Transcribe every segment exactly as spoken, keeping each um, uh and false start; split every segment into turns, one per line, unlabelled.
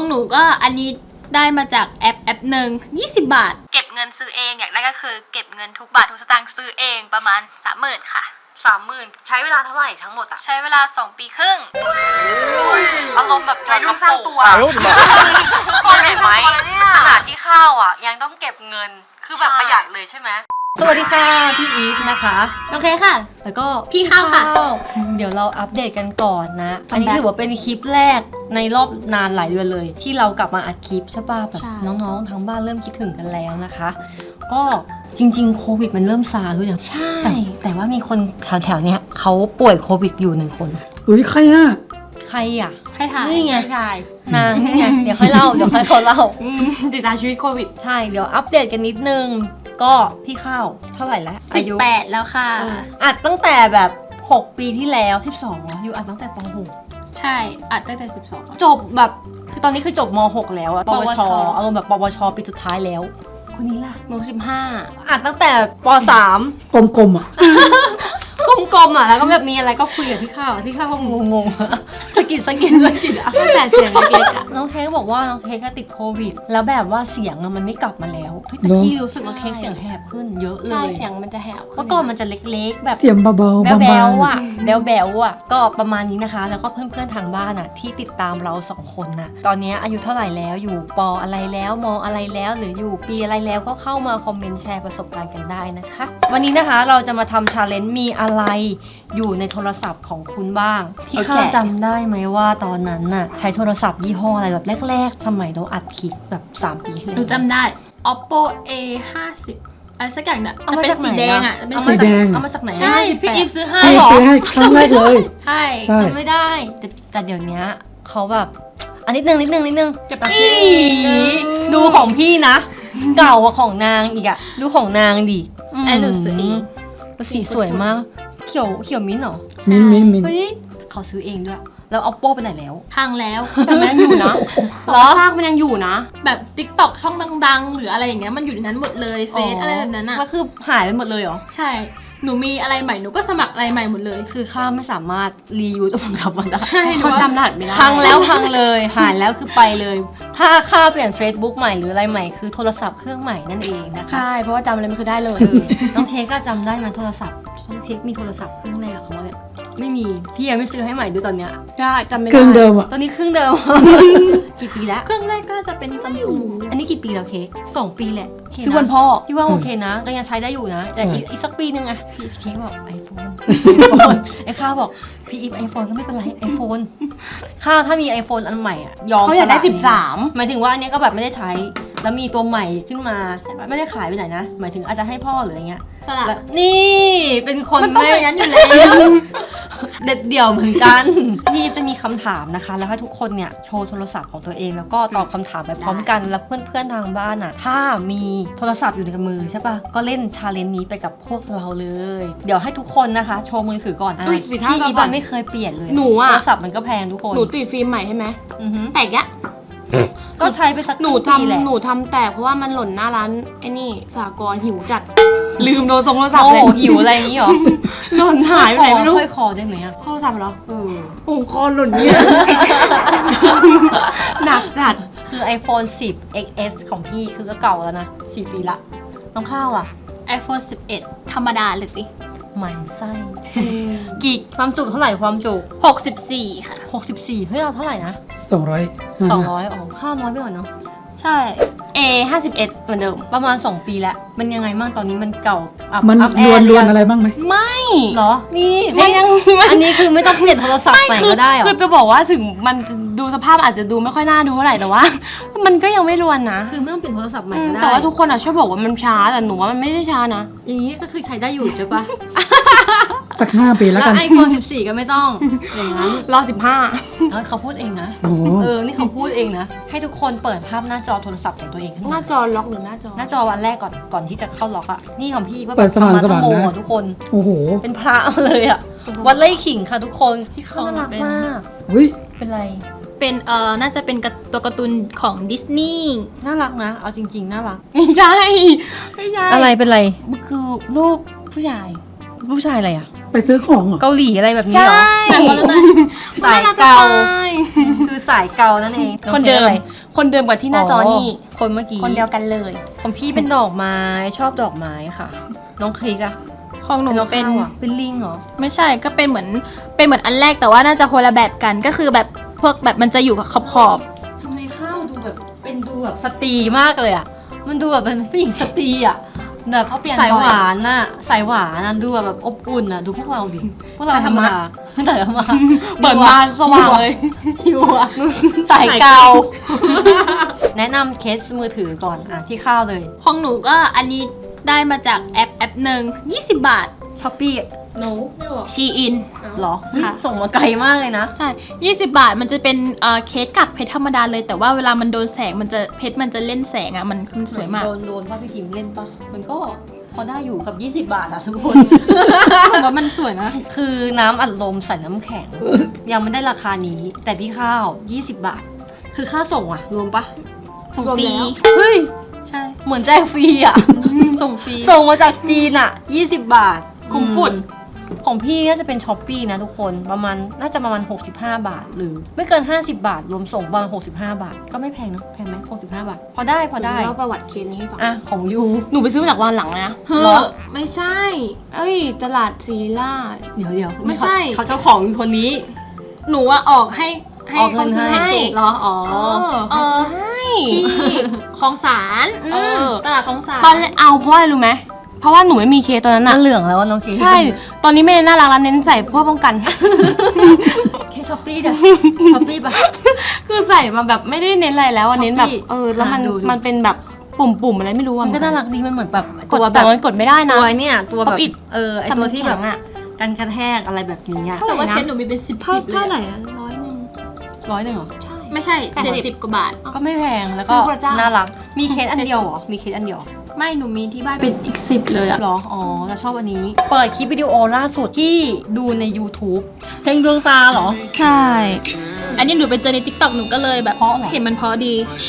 หนูก็อันนี้ได้มาจากแอปแอปหนึ่งยี่สิบบาทเก็บเงินซื้อเองอยากได้ก็คือเก็บเงินทุกบาททุกสตางค์ซื้อเองประมาณ สามหมื่น ค่ะ
สามหมื่นใช้เวลาเท่าไหร่ทั้งหมดอะ
ใช้เวลาสองปีครึ่ง
อารมณ์แบบวัยรุ่นสร้างตัวคนเห็นไหมขนาดที่ข้าวอ่ะยังต้องเก็บเงินคือแบบประหยัดเลยใช่ไหมสวัสดีค่ะพี่อีฟนะคะ
โอเคค่ะ
แล้วก็
พี่ข้าวค่ะ
เดี๋ยวเราอัปเดตกันก่อนนะอันนี้ถือว่าเป็นคลิปแรกในรอบนานหลายเดือนเลยที่เรากลับมาอัดคลิปใช่ป่ะแบบน้องๆทางบ้านเริ่มคิดถึงกันแล้วนะคะก็จริงๆโควิดมันเริ่มซาด้วยนะ
ใช่
แต่แต่ว่ามีคนแถวๆเนี้ยเขาป่วยโควิดอยู่หนึ่งคน
อุ้ยใครอะ
ใครอ่ะ
ให้ถ่าย
นี่ไง
ถ่าย
นางนี่ไงเดี๋ยวค่อยเล่าเดี๋ยวค่อยเขาเล่า
ติดตามชีวิตโควิด
ใช่เดี๋ยวอัปเดตกันนิดนึงก็พี่ข้าวเท่าไหร่แล้ว
สิบแปดแล้วค่ะ
อัดตั้งแต่แบบหกปีที่แล้วสิบสองอยู่อัดตั้งแต่ป.หก
ใช่อัดตั้งแต่สิบสอง
จบแบบคือตอนนี้คือจบม.หกแล้วอะปวชอารมณ์แบบปวชปีสุดท้ายแล้วคนนี้ล่ะ
หนูสิบห้า
อัดตั้งแต่ป.สาม
กลมๆอ่ะ
กลมๆอ่ะแล้วก็แบบมีอะไรก็คุยกับพี่ข้าวพี่ข้าวก็งงๆสกิดสกิดสกิดอ่ะ
ตั้งแต่เสียงเล็กๆอ่ะ
น้องเค้กบอกว่าน้องเค้กก็ติดโควิดแล้วแบบว่าเสียงอะมันไม่กลับมาแล้วแต่พี่รู้สึกว่าเค้กเสียงแหบขึ้นเยอะเลย
ใช่เสียงมันจะแหบ
เมื่อก่อนมันจะเล็กๆแบบ
เสียงเบาๆ
แบ๊วๆอ่ะแบ๊วๆอ่ะก็ประมาณนี้นะคะแล้วก็เพื่อนๆทางบ้านอ่ะที่ติดตามเราสองคนน่ะตอนนี้อายุเท่าไหร่แล้วอยู่ป.อะไรแล้วม.อะไรแล้วหรืออยู่ปีอะไรแล้วก็เข้ามาคอมเมนต์แชร์ประสบการณ์กันได้นะคะวันนี้นะคะเราจะมาทำชาเลนจ์มีอะไรอยู่ในโทรศัพท์ของคุณบ้างพี่ข้าวจำได้ไหมว่าตอนนั้นน่ะใช้โทรศัพท์ยี่ห้ออะไรแบบแรกๆสมัยเราอัดคลิปแบบสามปีที่แล้ว
หนูจำได้ oppo เอ ห้าสิบ อะไรสักอย่างเนี่ย
เอามาจากสีแดงอ่ะ
เอามาจาก
เอามาจากไหน
ใช่พี่อีฟซื้อให้
หรอซื้อให้ครั้งแรกเลย
ใช่
จำไม่ได้แต่แต่เดี๋ยวนี้เขาแบบอันนิดนึงนิดนึงนิดนึง
เก็บแบบ
ดูของพี่นะเก่ากว่าของนางอีกอะดูของนางดิ
ไอ้หนูซื้อเอง
สีสวยมากเขียวเขียวมิ้นหรอ
มิ้นมิ้นมิ้น
เขาซื้อเองด้วยแล้ว oppo ไปไหนแล้ว
พังแล้ว
แต่มันยังอยู่นะ
หรอซากมันยังอยู่นะแบบ TikTok ช่องดังๆหรืออะไรอย่างเงี้ยมันอยู่ในนั้นหมดเลยเฟซอะไรแบบนั้นอ่ะ
ก็คือหายไปหมดเลยเหรอ
ใช่หนูมีอะไรใหม่หนูก็สมัครอะไรใหม่หมดเลย
คือข้าไม่สามารถรียูสมันกลับมาได้
เขาจำรหัสไม่ได้
พังแล้วพังเลยหายแล้วคือไปเลยถ้าข้าเปลี่ยน Facebook ใหม่หรืออะไรใหม่คือโทรศัพท์เครื่องใหม่นั่นเองนะคะ
ใช่เพราะว่าจำอะไรไม่คือได้เลย
น้องเค้กก็จำได้ไหมโทรศัพท์น้องเค้กมีโทรศัพท์เครื่องแรกของเขาเนี่ยไม่มีพี่ยังไม่ซื้อให้ใหม่ด้วยตอนเนี้ย
ใช่จำไม่ได้
เครื่องเดิมอ่ะ
ตอนนี้เครื่องเดิมกี่ปีแล้ว
เครื่องแรกก็จะเป็นซัมซุง
อันนี้กี่ปีแล้วเค้กสองปีแหละ
ชื่อวันพ่อ
พี่ว่าโอเคนะก็ยังใช้ได้อยู่นะแต่อีกสักปีนึงอะพี่เค้กบอกไอโฟนไอ้ข้าวบอกพี่อีฟไอโฟนก็ไม่เป็นไรไอโฟนข้าวถ้ามีไอโฟนอันใหม่อ่ะยอม
เขาอยากได้สิบสาม
หมายถึงว่าอันนี้ก็แบบไม่ได้ใช้แล้วมีตัวใหม่ขึ้นมาไม่ได้ขายไปไหนนะหมายถึงอาจจะให้พ่อหรืออะไรเงี้ยนี่เป็นคน
มันต้องอย่างนั้นอยู่แล้ว
เด็ดเดี่ยวเหมือนกันพี่จะมีคำถามนะคะแล้วให้ทุกคนเนี่ยโชว์โทรศัพท์ของตัวเองแล้วก็ตอบคำถามไปพร้อมกันแล้วเพื่อนๆทางบ้านอ่ะถ้ามีโทรศัพท์อยู่ในมือใช่ปะก็เล่นชาเลนจ์นี้ไปกับพวกเราเลยเดี๋ยวให้ทุกคนนะคะโชว์มือถือก่อนพี่อีบ้านไม่เคยเปลี่ยนเลย
หนูอะ
โทรศัพท์มันก็แพงทุกคน
หนูติดฟิล์มใหม่ใช่ไหมแต่แก
ก็ใช้ไปสัก
หนูทำหนูทำแต่เพราะว่ามันหล่นหน้าร้านไอ้นี่สากรหิวจัดลืมโดนทรงโทรศัพท์เลย
หิวอะไรอย่างนี้หรอ
หล่นหายไปไหนไม่รู้
ค่อยคอได้ไหมอะ
โทรศัพท์เหรอ
เออ
โอ้คอหล่นเนี่ยหนักจัด
คือ iPhone สิบ เอ็กซ์ เอส ของพี่คือก็เก่าแล้วนะสี่ปีละน้องข้าวอะ
iPhone สิบเอ็ดธรรมดาเลยติ
หมันไส้กี่ความจุเท่าไหร่ความจุ
หกสิบสี่ค่ะ
หกสิบสี่เฮ้ยเราเท่าไหร่นะ
สองร้อย
สองร้อยอ๋อข้าวน้อยไปหน่อยเนาะ
ใช่ เอ ห้าสิบเอ็ดเหมือนเดิม
ประมาณสองปีแล้วมันยังไงบ้างตอนนี้มันเก่า
มันรวนรวนอะไรบ้างไหม
ไม่
เหรอนี่
มันยัง
อันนี้คือไม่ต้องเปลี่ยนโทรศัพท์ใหม่ก็ได้หรอ
คือจะบอกว่าถึงมันดูสภาพอาจจะดูไม่ค่อยน่าดูเท่าไหร่แต่ว่ามันก็ยังไม่รวนนะ
คือไม่ต้องเปลี่ยนโทรศัพท์ใหม่ก็ได้
แต่ว่าทุกคนอ่ะชอบบอกว่ามันช้าแต่หนูว่ามันไม่ได้ช้านะ
อย่างนี้ก็คือใช้ได้อยู่ใช่ปะ
สักห้าปีแล้วกัน
ไอโฟนสิบสี่ก็ไม่ต้องอย่างนั้น
รอสิบห้า
เขาพูดเองนะเออนี่เขาพูดเองนะให้ทุกคนเปิดภาพหน้าจอโทรศัพท์ของตัวเอง
หน้าจอล็อกหรือหน้าจอ
หน้าจอวันแรกก่อนก่อนที่จะเข้าล็อกอ่ะนี่ของพี่ว่า
เปิดสว่างสว่าง
นะทุกคน
โอ้โห
เป็นพระเลยอ่ะวัดไล่ขิงค่ะทุกคนพี่เขาน่ารักมาก
อุ้ย
เป็นไร
เป็นเอ่อน่าจะเป็นตัวการ์ตูนของดิสนีย์
น่ารักนะเอาจริงๆน่ารัก
ไม่ใช่ไม่ใช่
อะไรเป็นไร
มันคือรูปผู้ชาย
ผู้ชายอะไรอ่ะ
ไปซื้อของเหรอ
เกาหลีอะไรแบบนี้
ใช่
เหรอ
แต่คนละหน่อย
สายเกาคือสายเกานั่นเอง
คนเดิม
อะไร
คนเดิมกว่าที่หน้าจอนี่
คนเมื่อกี้
คนเดียวกันเลย
ของพี่เป็นดอกไม้ชอบดอกไม้ค่ะ น้องคลิกอะ
ของหนู
น้อง
เป็น
ข้าวอะเป็นลิงเหรอ
ไม่ใช่ก็เป็นเหมือนเป็นเหมือนอันแรกแต่ว่าน่าจะคนละแบบกันก็คือแบบพวกแบบมันจะอยู่กับขอบขอบ
ทำไมข้าวดูแบบเป็นดูแบบสตรีมากเลยอะมันดูแบบเป็นผู้หญิงสตรีอะแบบ
เขาเปลี่ยน
สาย
บ่อย
หวานน่ะสายหวานน่ะดูแบบอบอุ่นน่ะดูพวกเราดิพวกเราธรรมดาแต่ธรรมดา
เปิดมาสว่างเลย
หิวอะสายเกา แนะนำเคสมือถือก่อนอ่ะพี่ข้าวเลย
ของหนูก็อันนี้ได้มาจากแอปแอปหนึ่งยี่สิบบาท
ช้อปปี้
หนูไม่บอก
ชีอิน
หรอ
ค่ะ
ส่งมาไกลมากเลยนะ
ใช่ยี่สิบบาทมันจะเป็นเอ่อเคสกักเพชรธรรมดาเลย แต่ว่าเวลามันโดนแสงมันจะเพชรมันจะเล่นแสงอ่ะมันมันสวยมาก
โดนโดนป้าพี่ทิมเล่นปะมันก็พอได้อยู่กับยี่สิบบาทอะทุกคน
ผมว่ามันสวยนะ
คือน้ำอัดลมใส่น้ำแข็ง ยังไม่ได้ราคานี้ แต่พี่ข้าวยี่สิบบาท คือค่าส่งอะรวมปะ
ส่ง
รวม
ฟรี
แล้ว
เฮ้ย
ใช่
เหมือนแจกฟรีอะ
ส่งฟรี
ส่งมาจากจีนอะยี่สิบบาท
คุ้มฝุ่น
อืมของพี่น่าจะเป็นช้อปปี้นะทุกคนประมาณน่าจะประมาณหกสิบห้าบาท หรือไม่เกินห้าสิบบาท รวมส่งประมาณหกสิบห้าบาท ก็ไม่แพงเนอะแพงไหมหกสิบห้าบาท พอได้พอได้
เล่าประวัติเคสนี้ให้ฟัง
อ่ะของยู
หนูไปซื้อมาจากวันหลังนะ
เฮ้
เหรอ
อไม่ใช่
เอ้ย ตลาดซีล่า
เดี๋ยวเดี๋ยว
ไม่ใช่
เขาเขาเจ้าของคือคนนี้
หนูอะออกให้ให้
ออกเงิน
คนซื้อ
ให้
ให้
เหรออ๋อ
เออ
เอ
ให้
อ ที่คลองสาร
เออ
มตลาดคลองสาร
ตอนแรกเอาเพราะอะไรรู้ไหม เพราะว่าหนูไม่มีเคสตอนนั้น
น่า
น่ะ
เหลืองแล้วว่าน้องเค
ใช่ ตอนนี้ไม่ได้น่ารักแล้วเน้นใส่เพื่อป้องกัน
เคช้อปปี้เดี๋ยวช้อปปี้ปะ
คือใส่มาแบบไม่ได้เน้นอะไรแล้วอะเน้นแบบ
Shopee
เออ แล้วมัน
หาดูดู
มันเป็นแบบปุ่มๆอะไรไม่รู้อะ
มันก็น่ารักดีมันเหมือนแบบ
กด
ตัวแบ
แต่
บ
มันกดไม่ได้นะ
ตัวเนี่ยตัวแบบ
Pop it
เออไอ
แต่
ตั
มั
วน ที่แบบ
แข็งอะ
กันกระแทกอะไรแบบนี้อะ
แต่ว่า
เท่าไหร่นะ
เคสหนูมีเป็นสิบ
เท่า
สิบเลย
เท่าไหร่
อะ
นะร้อยหนึ่ง
ร้อยหนึ่งเหรอ
ใช่
ไม่ใช่
แปด
เจ็ด
สิ
สิ
บ
บกว่าบาท
ก็ไม่แพงแล้วก็
ซื้อพระเจ้า
น่ารักมีเคสอันเดียวเหรอมีเคสอันเดียว
ไม่หนูมีที่บ้านเป็นอีกสิบเลยอะ
เหรออ๋อแล้วชอบอันนี้ เปิดคลิปวิดีโอล่าสุดที่ดูใน YouTube เพลงดวงตาเหรอ
ใช่ อันนี้หนูไปเจอในทิกตอกหนูก็เลยแบบ
เพราะเหรอ
เห็นมันเพราะดี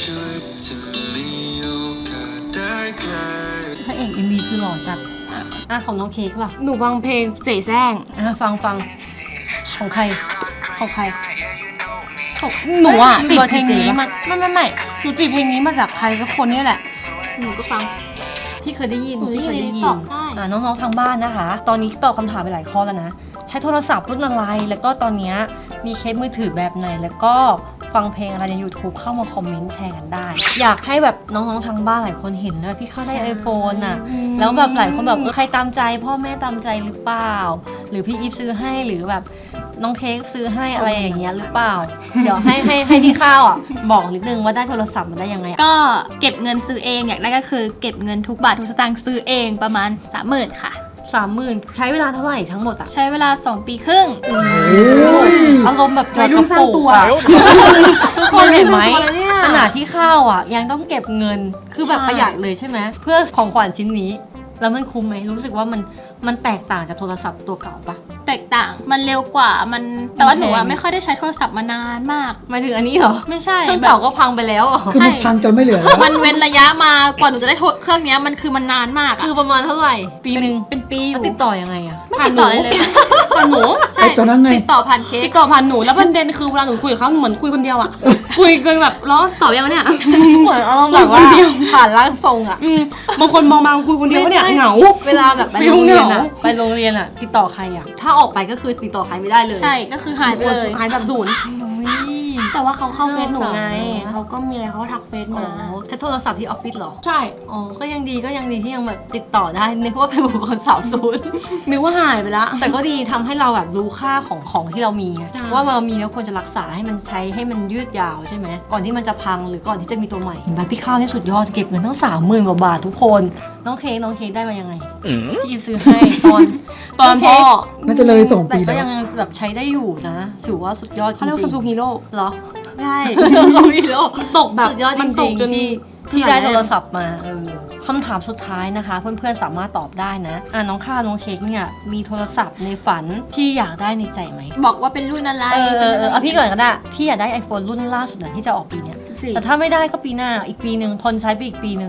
พระเอก เอ็ม วี คือหล่อจัดอ่ะอ่ะของน้องเค้กล่ะ
หนูฟังเพลงเสแสร้ง
อ่ะฟังฟังของใคร
ของใครของหนูอ่ะ
เฮ้ย
ติด
บอย
เพลงนี้
เจเจปะ
มาไม่ไม่ไม่หนูติดเพลงนี้มาจากใครสักคนนี่แหละ
หนูก็ฟัง
พี่เคยได้ยิน
เฮ้ย
พี่เคยได้ยิน
ตอบได้
อ่าน้องๆทางบ้านนะคะ ตอนนี้ตอบคำถามไปหลายข้อแล้วนะ ใช้โทรศัพท์รุ่นอะไร แล้วก็ตอนเนี้ยมีเคสมือถือแบบไหน แล้วก็ฟังเพลงอะไรใน YouTube เข้ามาคอมเมนต์แชร์กันได้ อยากให้แบบน้องๆทางบ้านหลายคนเห็นนะพี่เข้าได้ iPhone อ่ะ แล้วแบบหลายคนแบบเออใครตามใจพ่อแม่ตามใจหรือเปล่า หรือพี่อีฟซื้อให้หรือแบบน้องเค้กซื้อให้อะไรอย่างเงี้ยหรือเปล่า เดี๋ยวให้ให้ให้พี่ข้าวอ่ะบอกนิดนึงว่าได้โทรศัพท์มาได้ยังไงอะ
ก็เก็บเงินซื้อเองอยากได้ก็คือเก็บเงินทุกบาททุกสตางค์ซื้อเองประมาณสามหมื่นค่ะ
สามหมื่นใช้เวลาเท่าไหร่ทั้งหมดอ่ะ
ใช้เวลาสองปีครึ่ง
อารมณ์แบบ
วัยรุ่นสร้างตัว
ทุกคนเห็นไหม
วัยรุ่นสร้างตัวแล้วเนี่ย
ขนาดที่ข้าวอ่ะ ยังต้องเก็บเงินคือแบบ
ใช่
ประหยัดเลยใช่ไหมเพื่อของขวัญชิ้นนี้ แล้วมันคุ้มไหมรู้สึกว่ามันมันแตกต่างจากโทรศัพท์ตัวเก่าปะ
แตกต่าง มันเร็วกว่า มัน แต่ว่าหนู
แพ
อะ
ง
ไม่ค่อยได้ใช้โทรศัพท์มานานมาก
หมายถึงอันนี้เหรอ
ไม่ใช่
เครื่อง
แบ
เก่า
บ
ก็พังไปแล้วเหรอ
คือมันพังจนไม่เหลือแล้ว
มันเว้นระยะมากว่าหนูจะได้โทรเครื่องเนี้ยมันคือมันนานมากอะ
คือประมาณเท่าไหร่ ปีหนึ่ง
เป็นปีอ
แล้ว
ยู่
ติดต่อยังไงอ่ะ
ไม่ติดต่อเลยเลย
ผ่านหนู
ใช่
ไอ้ตัวนั้นไง
ติดต่อผ่านเค้
ติ
ก
ดต่อผ่านหนูแล้วประเด็นคือเวลาหนูคุยกับเขาหนูเหมือนคุยคนเดียวอ่ะ คุยกันแบบล้อตอบยังไงเนี่ย
เหมือนอารมณ์แบบว่าผ่านร่างทรงอ่ะ
อืมบางคนมองมาคุยคนเดียวเนี่ย
ไม่ใช่
เหงา
เวลาแบบไป
ฟิล
โรงเรียน
เห
อ่ะ
งา
ไปโรงเรียนอ่ะ ติดต่อใครอ่ะ ถ้าออกไปก็คือติดต่อใครไม่ได้เลย
ใช่ ก็คือหายไปเลย
หายแบบศูนย์
อุ๊ย
แต่ว่าเขาเข้าเฟซหนูไง
น่าสงสาร
เขาก็มีอะไรเขาก็ทักเฟซ
อ๋อ
มา
ใช้โทรศัพท์ที่ออฟฟิศเหรอ
ใช่
อ๋อ ก็ยังดีก็ยังดีที่ยังแบบติดต่อได้นึกว่าเป็นบุคคลสาวศูนย์
นึกว่าหายไปละ
แต่ก็ดีทำให้เราแบบรู้ค่าของของที่เรามีไง
ใช่
ว่าเรามีแล้วควรจะรักษาให้มันใช้ให้มันยืดยาวใช่ไหมก่อนที่มันจะพังหรือก่อนที่จะมีตัวใหม่เห็นไหมพี่ข้าวนี่สุดยอดเก็บเงินตั้งสามหมื่นกว่าบาททุกคน น้องเค้กน้องเค้กได้มายังไงพี่ยิมซื้อให้ตอน
ตอนพ่อ
น่าจะเลยสอง
แต่
ปี
ก็
แล้ว
ยังแบบใช้ได้อยู่นะถือว่าสุดยอดจริ
เขาเรียกว่าซัมซุง
ง
ฮีโร่
ๆเหรอ
ใช่
ซัมซุงฮีโร่
ตกแบบ
สุดยอดจ
มันต
ริ
ก
ง
จน
ๆที่ที่ได้โทรศัพท์มาเออคำถามสุดท้ายนะคะ เพื่อนๆสามารถตอบได้นะอ่ะน้องข้าวน้องเค้กเนี่ยมีโทรศัพท์ในฝันที่อยากได้ในใจไหม
บอกว่าเป็นรุ่นอะไร
เออเออเออเอาพี่ก่อนก็ได้พี่อยากได้ iPhone รุ่นล่าสุดนะที่จะออกปีเนี้ย
สิบสี่
แต่ถ้าไม่ได้ก็ปีหน้าอีกปีหนึ่งทนใช้ไปอีกปีหนึ่ง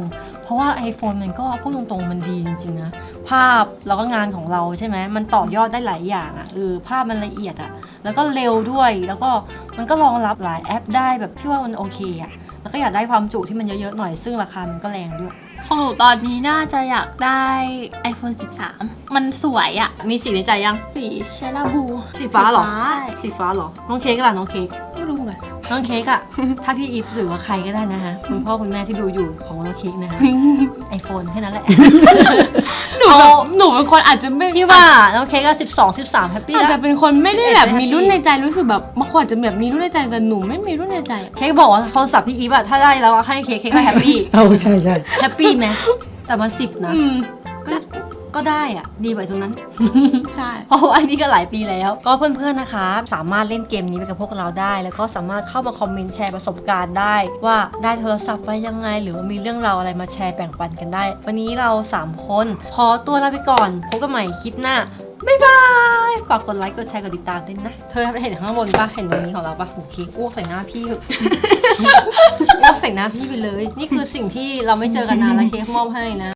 เพราะว่า iPhone มันก็พูดตรงๆมันดีจริงๆนะภาพแล้วก็งานของเราใช่ไหมมันต่อยอดได้หลายอย่างอะ่ะเออภาพมันละเอียดอะ่ะแล้วก็เร็วด้วยแล้วก็มันก็รองรับหลายแอปได้แบบพี่ว่ามันโอเคอะ่ะแล้วก็อยากได้ความจุที่มันเยอะๆหน่อยซึ่งราคามันก็แรงด้วย
ของหนูตอนนี้น่าจะอยากได้ iPhone สิบสาม มันสวยอะ
มีสีในใจยัง
สีเชลาบู
สีฟ้าเหรอ
ใช่
สีฟ้าเหรอน้องเค้กล่ะน้องเค้ก
ไม่รู้ไง
น้องเค้กอะ ถ้าพี่อีฟหรือว่าใครก็ได้นะคะคุณพ่อคุณแม่ที่ดูอยู่ของน้องเค้กนะคะไอโฟนแค่นั้นแหละ
หนูแบบหนูเป็นคนอาจจะไม่
พี่ว่าน้องเค้กก็สิบสองสิบสามแฮปปี้
อาจ
แล้
จะ
ว
เป็นคนไม่ได้แบบ
ไม่
มี
happy
รุ่นในใจรู้สึกแบบบางคนอาจจะแบบมีรุ่นในใจแต่หนูไม่มีรุ่นในใจอะ
เค้กบอกว่าโทรศัพท์พี่อีฟอะถ้าได้แล้วอะให้เค้กเค้กก็แฮปปี้
เอาใช่ใช่
แฮปปี้ไหมแต่มันสิบนะ
อืม
ก็ก็ได้อะดีกว่าตรงนั้น
ใช่
เพราะว่าอันนี้ก็หลายปีแล้ว ก็เพื่อนๆนะคะ สามารถเล่นเกมนี้ไปกับพวกเราได้ แล้วก็สามารถเข้ามาคอมเมนต์แชร์ประสบการณ์ได้ ว่าได้โทรศัพท์ไปยังไง หรือว่ามีเรื่องราวอะไรมาแชร์แบ่งปันกันได้ วันนี้เราสามคนขอตัวลาไปก่อนพบกันใหม่คลิปหน้าบ๊ายบายฝากกดไลค์กดแชร์กดติดตามด้วยนะเธอเห็นข้างบนปะเห็นตรงนี้ของเราปะโอเคอ้วกใส่หน้าพี่ อ้วกใส่หน้าพี่ไปเลย นี่คือสิ่งที่เราไม่เจอกันนานแล้วเค้กมอบให้นะ